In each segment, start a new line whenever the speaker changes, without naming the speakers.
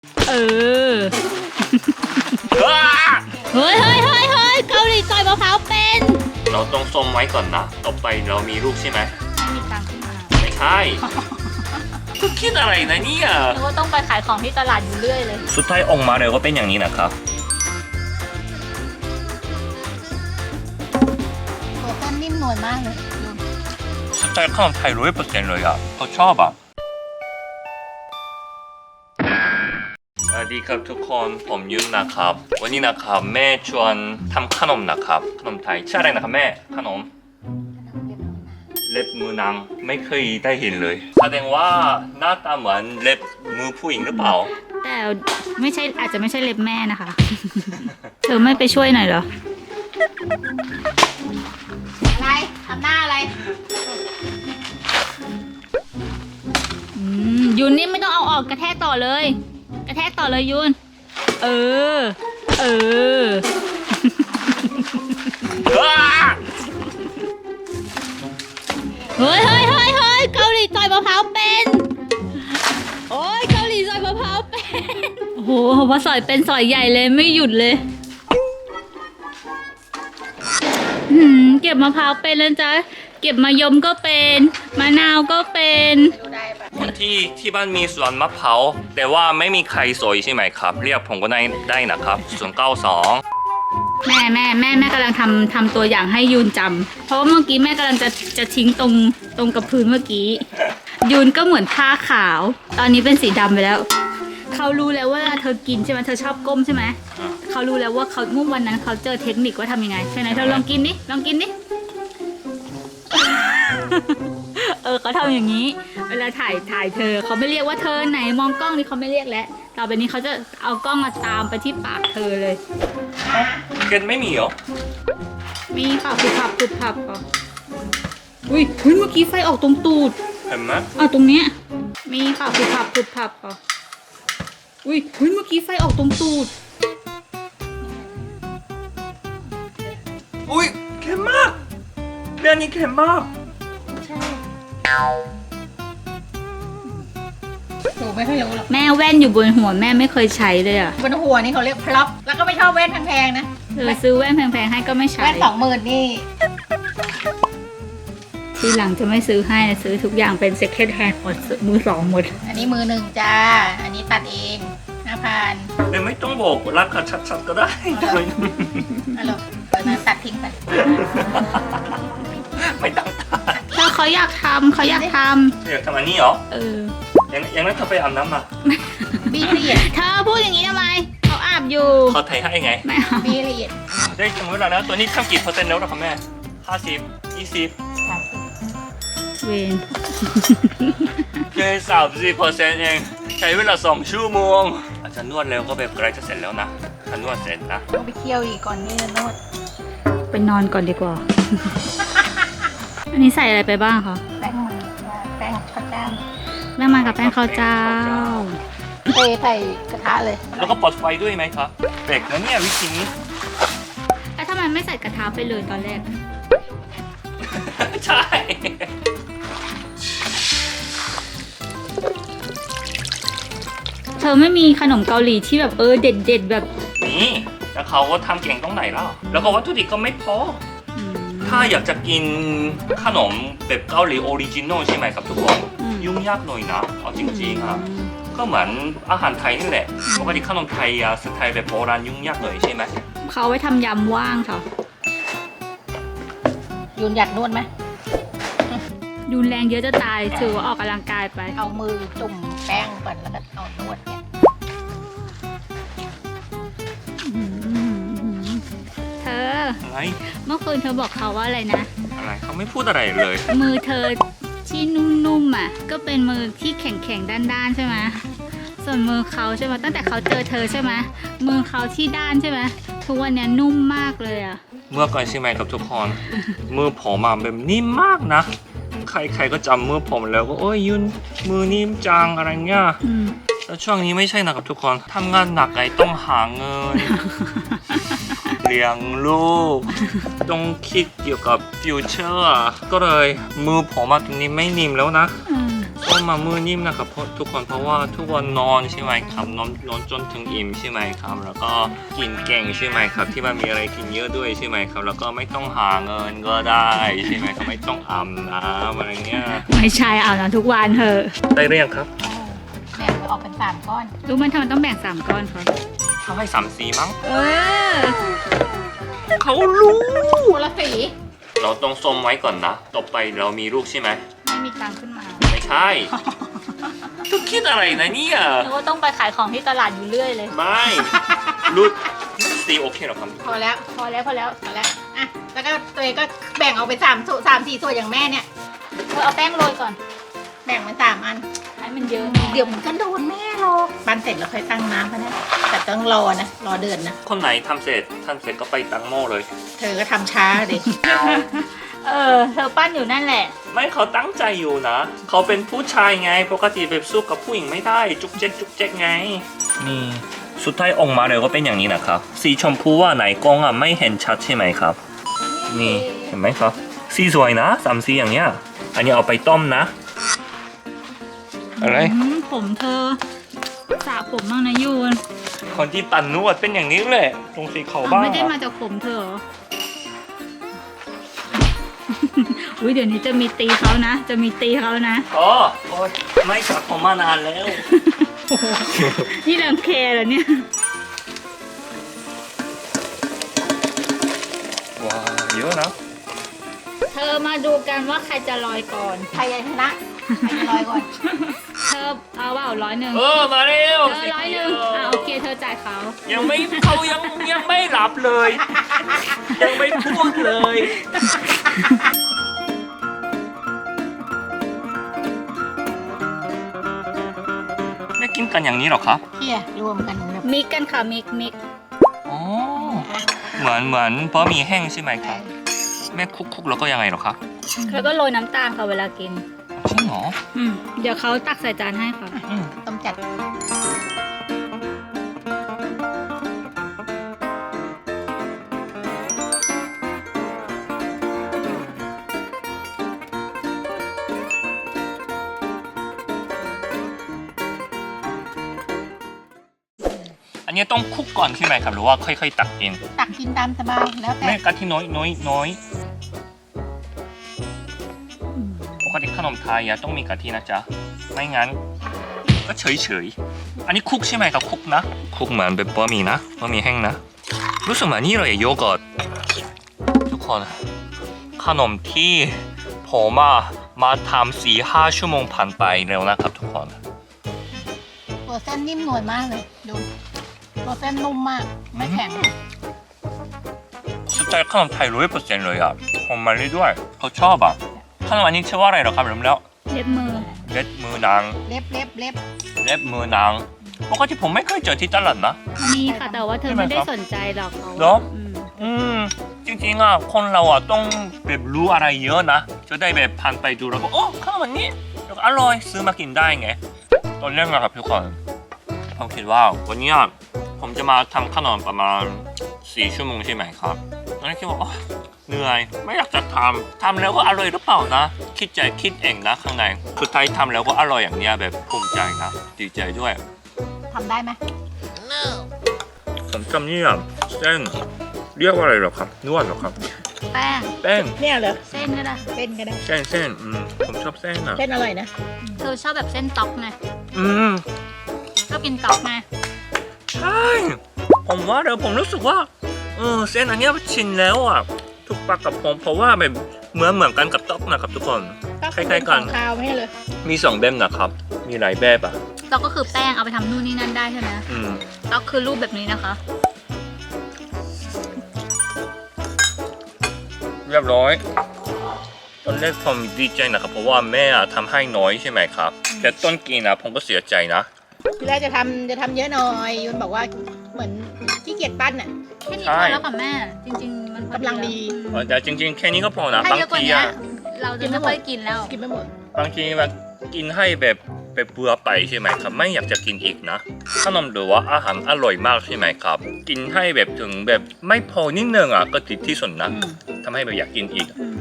เออเฮ้ยเกาหลีซอยมะพร้าวเป็น
เราต้องส้มไว้ก่อนนะต่อไปเรามีลูกใช่ไหม
ไม่มีตังค์ขึ้นมา
ไม่ใช่ก็คิดอะไรนะเนี่ย
นึกว่าต้องไปขายของที่ตลาดอยู่เรื่อยเลย
สุดท้ายออกมาเลยก็เป็นอย่างนี้นะครับ
โอ้แป้งนิ่มนวลมากเลยดู
สไตล์ขนมไทย100%เลยอ่ะเขาชอบอ่ะสวัสดีครับทุกคนผมยุนนะครับวันนี้นะครับแม่ชวนทำขนมนะครับขนมไทยชื่ออะไรนะครับแม่ขนมเล็บมือนางไม่เคยได้เห็นเลยแสดงว่าหน้าตาเหมือนเล็บมือผู้หญิงหรือเปล่า
แต่ไม่ใช่อาจจะไม่ใช่เล็บแม่นะคะ เธอไม่ไปช่วยหน่อยเหรอ อะไรทำหน้าอะไรยุนนี่ไม่ต้องเอาออกกระแทกต่อเลย กระแทกต่อเลยยุนเออเฮ้ยเกาหลีซอยมะพร้าวเป็นโอ้ยเกาหลีซอยมะพร้าวเป็นโอ้โหพอสอยเป็นสอยใหญ่เลยไม่หยุดเลยเก็บมะพร้าวเป็นแล้วจ้ะเก็บมะยมก็เป็นมะนาวก็เป็น
คนที่บ้านมีสวนมะพร้าวแต่ว่าไม่มีใครสวยใช่ไหมครับเรียกผมก็ได้นะครับ092
แม่กำลังทำตัวอย่างให้ยูนจำเพราะว่าเมื่อกี้แม่กำลังจะทิ้งตรงกับพื้นเมื่อกี้ยูนก็เหมือนผ้าขาวตอนนี้เป็นสีดำไปแล้วเขารู้แล้วว่าเธอกินใช่ไหมเธอชอบก้มใช่ไหมเขารู้แล้วว่าเขาเมื่อวันนั้นเขาเจอเทคนิคว่าทำยังไงใช่ไหมเธอลองกินดิเขาทำอย่างนี้เวลาถ่ายเธอเขาไม่เรียกว่าเธอไหนมองกล้องนี่เขาไม่เรียกแล้วต่อไปนี้เขาจะเอากล้องมาตามไปที่ปากเธอเลย
เกนไม่มีเหรอ
มีเปล่าผับก่อนอุ้ยเมื่อกี้ไฟออกตรงตูด
เห็นไหม
ตรงเนี้ยมีเปล่าผับก่อนอุ้ยเมื่อกี้ไฟออกตรงตูด
อุ้ยเค็มมากเรื่องนี้เค็มมาก
ใช่หนูไม่ค่อยรู้หรอกแม่แว่นอยู่บนหัวแม่ไม่เคยใช้เลยอ่ะ
บนหัวนี่เขาเรียกพล็อปแล้วก็ไม่ชอบแว่นแพงๆนะ
ซื้อแว่นแพงๆให้ก็ไม่ใช้
แว่น20,000นี่
ทีหลังจะไม่ซื้อให้ซื้อทุกอย่างเป็น second hand หมดมือสองหมด
อันนี้มือหนึ่งจ้าอันนี้ตัดเอง5,000
แต่ไม่ต้องบอกราคาชัดๆก็ได้
ฮัลโหลตัดทิ้งไป
ไม่ต้องตัด
ถ้าเขาอยากทำ
อยากทำอันนี้เหรออย่างนั้นเธอไปอาบน้ำมา
บีละเอียด
เธอพูดอย่างนี้ทำไมเขาอาบอยู่
เขาไทยให้ไง
ไม่เอา
บีละเอียด
ได้สมมติแล้วนะตัวนี้ทำกี่%แล้วครับแม่50 20
เวน
แค่30%เองใช้เวลา2 ชั่วโมงอาจจะนวดแล้วก็แบบใกล้จะเสร็จแล้วนะถ้านวดเสร็จนะ
ต้องไปเคี่ยวอีกก่อนนี่นวด
ไปนอนก่อนดีกว่า อันนี้ใส่อะไรไปบ้างคะ
แป้งมันแป้งข้าวเจ้า
แป้งมันกับแป้งข้าวเจ้า
ใส่กระทะเลย
แล้วก็ปลดไฟด้วยไหมครับเด็กนะเนี่ยวิธีนี้
แล้วทำไมไม่ใส่กระทะไปเลยตอนแรก
ใช่
เธอไม่มีขนมเกาหลีที่แบบเด็ดแบบ
นี่แล้วเขาก็ทำเก่งตรงไหนแล้วก็วัตถุดิบก็ไม่พอถ้าอยากจะกินขนมแบบเกาหลีออริจินอลใช่ไหมครับทุกคนยุ่งยากหน่อยนะเอาจริงๆอ่ะก็เหมือนอาหารไทยนี่แหละปกติขนมไทยสไตล์แบบโบราณยุ่งยากหน่อยใช่ไหม
เขาไว้ทำยำว่างค่ะ
ยุนอยากนวดไหม
ยุนแรงเยอะจะตายถือว่าออกกำลังกายไป
เอามือจุ่มแป้งก่อนแล้วก็เอานวดเนี่ย
เธออะไรเมื่อคืนเธอบอกเขาว่าอะไรนะ
อะไรเขาไม่พูดอะไรเลย
มือเธอที่นุ่มๆอ่ะก็เป็นมือที่แข็งๆด้านๆใช่ไหมส่วนมือเขาใช่ไหมตั้งแต่เขาเจอเธอใช่ไหมมือเขาที่ด้านใช่ไหมทุกวันนี้นุ่มมากเลยอ่ะ
เมื่อก่อนใช่ไหมครับทุกคนมือผมแบบนิ่มมากนะใครก็จำมือผมแล้วก็โอ้ยยุนมือนิ่มจังอะไรเงี้ยแล้วช่วงนี้ไม่ใช่นะครับทุกคนทำงานหนักไงต้องหาเงินเลี้ยงลูกต้องคิดเกี่ยวกับฟิวเจอร์ก็เลยมือผมตรงนี้ไม่นิ่มแล้วนะส้มมามือนิ่มนะครับเพราะทุกคนเพราะว่าทุกวันนอนใช่ไหมครับนอนจนถึงอิ่มใช่ไหมครับแล้วก็กินเก่งใช่ไหมครับที่มันมีอะไรกินเยอะด้วยใช่ไหมครับแล้วก็ไม่ต้องหาเงินก็ได้ใช่ไหมครับไม่ต้องอาบน้ำอะไรเงี้ย
ไม่ใช่เอานะทุกวันเถอะ
ได้หรือยังครับ
แบ่งออกเป็น3ก้อน
รู้มันทำไมต้องแบ่ง3ก้อนคะ
เขาให้3 สีมั้ง
เออ
เขารู้
คนละสี
เราต้องส้มไว้ก่อนนะต่อไปเรามีลูกใช่ไหม
ไม่มีตังค์ขึ้นมา
ไม่ใช่ ทุกคิดอะไรนะเนี่ย
นึกว่าต้องไปขายของที่ตลาดอยู่เรื่อยเลย
ไม่ลูกสีโอเคหรอครับ
พอแล้ว
พอแล้วพอแล้ว
พอแล้วอ่ะแล้วก็ตัวเองก็แบ่งออกเป็น3 4 ส่วนอย่างแม่เนี่ย
เธอเอาแป้งโรยก่อน
แบ่งเป็น3 อัน
ให้มันเยอะ
เดี๋ยวมันก็โดนแม่หรอกปั้นเสร็จแล้วค่อยตั้งน้ำก็ได้แต่ต้องรอนะรอเดือนนะ
คนไหนทำเสร็จก็ไปตั้งหม้อเลย
เธอก็ทำช้าดิ
เธอปั้นอยู่นั่นแหละ
ไม่เขาตั้งใจอยู่นะ เขาเป็นผู้ชายไง ปกติแบบสู้กับผู้หญิงไม่ได้ จุกเจ๊กไง นี่สุดท้ายออกมาเลยก็เป็นอย่างนี้นะครับ สีชมพูว่าไหนกล้องอ่ะไม่เห็นชัดใช่ไหมครับ นี่เห็นไหมครับ สีสวยนะ3 สีอย่างเงี้ย อันนี้เอาไปต้มนะ อะไร
ผมเธอสระผมบ้างนะยูน
คนที่ปั่นนวดเป็นอย่างนี้แหละตรงสีเขาบ้าง
ไม่ได้มาจากผมเธอเหรอ อุ้ยเดี๋ยวนี้จะมีตีเขานะ จะมีตีเขานะ
อ๋อโอ๊ยไม่สระผมมานานแล้ว
นี่รังแคเหรอเนี่ย
ว้าวเยอะนะ
เธอมาดูกันว่าใครจะลอยก่อน
ใครจะชนะใครจะลอยก่อน
เธอเอาเปล่า100
เออมาเร็ว
เธอ100โอเคเธอจ่ายเขา
ยังไม่เขายังไม่รับเลย ยังไม่พูดเลยไม่กินกันอย่างนี้หรอครับ
เที่ยรวมกันแบบ
มิกกันค่ะมิก
อ๋อเหมือนบะหมี่แห้งใช่ไหมครับแม่คุกแล้วก็ยังไงหรอครับ
แล้วก็โรยน้ำตาลค่ะเวลากิน
จริงเหรอ
เดี๋ยวเขาตักใส่จานให้ค่ะ
อืม
ต้มจัด
อันนี้ต้องคลุกก่อนใช่ไหมครับหรือว่าค่อยๆตักกิน
ตักกินตามสบายแล้วแต่
แม่กะทิน้อยปกติขนมไทยอะต้องมีกะทินะจ๊ะไม่งั้นก็เฉยอันนี้คลุกใช่ไหมครับคลุกนะคลุกเหมือนเป็นบะหมี่นะบะหมี่แห้งนะรู้สึกเหมือนนี่เลยโยเกิร์ตทุกคนขนมที่ผมมาทำ4-5 ชั่วโมงผ่านไปเร็วนะครับทุกคน
ตัวเส้นนิ่มนวลมากเลยดูตัวเส้นนุ่มมากไม่แข็ง
สไตล์ขนมไทย100%เลยอ่ะผมมาเรื่อยๆเขาชอบอ่ะขนมอันนี้ชื่อว่าอะไรเหรอครับลืมแล้ว
เล็บมือ
เล็บมือนาง
เล็บ
เล็บมือนางปกติผมไม่เคยเจอที่ตลาดนะ
มีค่ะแต่ว่าเธอไม่ได้สนใจหรอกเขา
เหรอ จริงๆอ่ะคนเราอ่ะต้องแบบรู้อะไรเยอะนะจะได้แบบผ่านไปดูแล้วก็โอ้ขนมอันนี้แล้วก็อร่อยซื้อมากินได้ไงตอนแรกนะครับทุกคนผมคิดว่าวันนี้ผมจะมาทำขนมประมาณ4 ชั่วโมงใช่ไหมครับตอนนั้นคิดว่าเหนื่อยไม่อยากจะทำแล้วก็อร่อยหรือเปล่านะคิดเองนะข้างในสุดท้ายทำแล้วก็อร่อยอย่างเนี้ยแบบภูมิใจนะดีใจด้วย
ทำได้ไหม
ผมจำเนี่ยเส้นเรียกว่าอะไรหรอครับนวดหรอครับ
แป้ง
แป้ง
เนี่ยเหรอ
เส้นก็ได้
เส้นก็ได้
เส้นผมชอบเส้นอ่ะ
เส้นอร่อยนะ
เธอชอบแบบเส้นต๊อกไง ชอบกินต๊อกไง
ใช่ผมว่าเดี๋ยวผมรู้สึกว่าเส้นอันเนี้ยชินแล้วอ่ะถูกปากกับผมเพราะว่าแบบเหมือนกันกับต๊อกนะครับทุกคน คล้ายๆกัน
คาวไม่ใช่เลย
มี2แบบนะครับมีหลายแบบอ่ะ
ต๊อกก็คือแป้งเอาไปทำนู่นนี่นั่นได้ใช่ไหม ต๊อกคือรูปแบบนี้นะคะ
เรียบร้อยตอนแรกผมดีใจนะครับเพราะว่าแม่ทำให้น้อยใช่ไหมครับแต่ต้นกินนะผมก็เสียใจนะ
ทีแรกจะทำเยอะหน่อยยุนบอกว่าเหมือนขี้เกียจปั้นอ่ะ
แค่นี้พอแล้วค่ะแม่ จริง ๆ มันพอดี
กำลังดี
แต่จริงๆแค่นี้ก็พอนะ
ถ้า
บาง
เยอะกว่า
ที
นี้
อะ
เราจะไม่ค่อยกินแล้ว
กินไม่หมด
บางทีแบบกินให้แบบเบื่อไปใช่ไหมครับไม่อยากจะกินอีกนะขนมหรือว่าอาหารอร่อยมากใช่ไหมครับกินให้แบบถึงแบบไม่พอนิดนึงอ่ะก็ติดที่สุดนะทำให้แบบอยากกินอีกทุก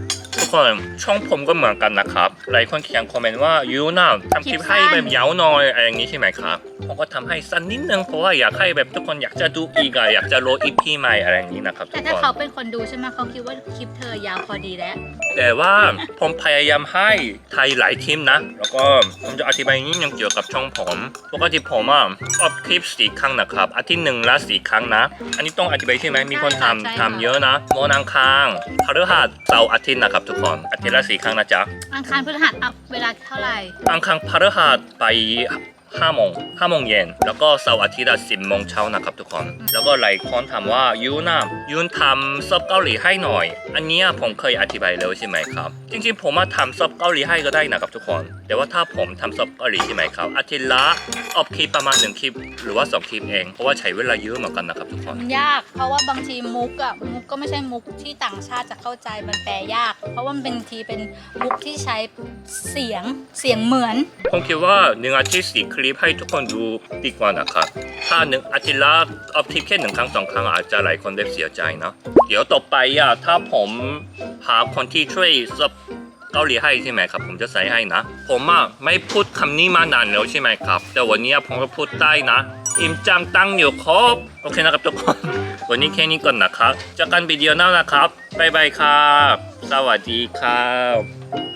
คนช่องผมก็เหมือนกันนะครับหลายคนเขียนคอมเมนต์ว่ายูน่าทำคลิปให้แบบยาวหน่อยอะไรอย่างนี้ใช่ไหมครับผมก็ทำให้สั้นนิดนึงเพราะว่าอยากให้แบบทุกคนอยากจะดูอีกอยากจะโหลดอีพีใหม่อะไรอย่างนี้นะครับทุ
แต่
ก
ถ้า
คน
เขาเป็นคนดูใช่ไหมเขาคิดว่าคลิปเธอยาวพอดีแล้ว
แต่ว่าผมพยายามให้ไทยหลายทีมนะแล้วก็ผมจะอธิบายนิดนึงเกี่ยวกับช่องผมปกติผมอัพคลิป4 ครั้งนะครับอาทิตย์หนึ่งละ4 ครั้งนะอันนี้ต้องอธิบายใช่ไหมมีคน
ใช่ค่ะ
ทำเยอะนะวันอังคารพฤหัสเสาร์อาทิตย์นะครับทุกคนอาทิตย์ละ4 ครั้งนะจ๊ะ
อังคารพฤหัสอัพเวลาเท่าไหร่
อังคารพฤหัสไป5 โมงเย็นแล้วก็เสาร์อาทิตย์10 โมงเช้านะครับทุกคนแล้วก็หลายคนถามว่ายูนทำซับเกาหลีให้หน่อยอันเนี้ยผมเคยอธิบายแล้วใช่ไหมครับจริงๆผมมาทำซับเกาหลีให้ก็ได้นะครับทุกคนแต่ว่าถ้าผมทำซับเกาหลีใช่ไหมครับอาทิตย์ละอัพคลิปประมาณ1 คลิปหรือว่า2 คลิปเองเพราะว่าใช้เวลาเยอะเหมือนกันนะครับทุกคน
มันยากเพราะว่าบางทีมุกก็ไม่ใช่มุกที่ต่างชาติจะเข้าใจมันแปลยาก เพราะว่ามันเป็นทีเป็นมุกที่ใช้เสียงเหมือน
ผมคิดว่า1 อาทิตย์4 คลิปให้ทุกคนดูดีกว่านะครับถ้า1 อาทิตย์ละอัพคลิปแค่1 ครั้ง 2 ครั้งอาจจะหลายคนได้เสียใจนะเดี๋ยวต่อไปถ้าผมหาคนที่ช่วยซับเกาหลีให้ใช่ไหมครับผมจะใส่ให้นะผมไม่พูดคำนี้มานานแล้วใช่ไหมครับแต่วันนี้ผมก็พูดได้นะอิมจังตั้งอยู่ครบโอเคนะครับทุกคนวันนี้แค่นี้ก่อนนะครับเจอกันวิดีโอหน้านะครับบ๊ายบายครับสวัสดีครับ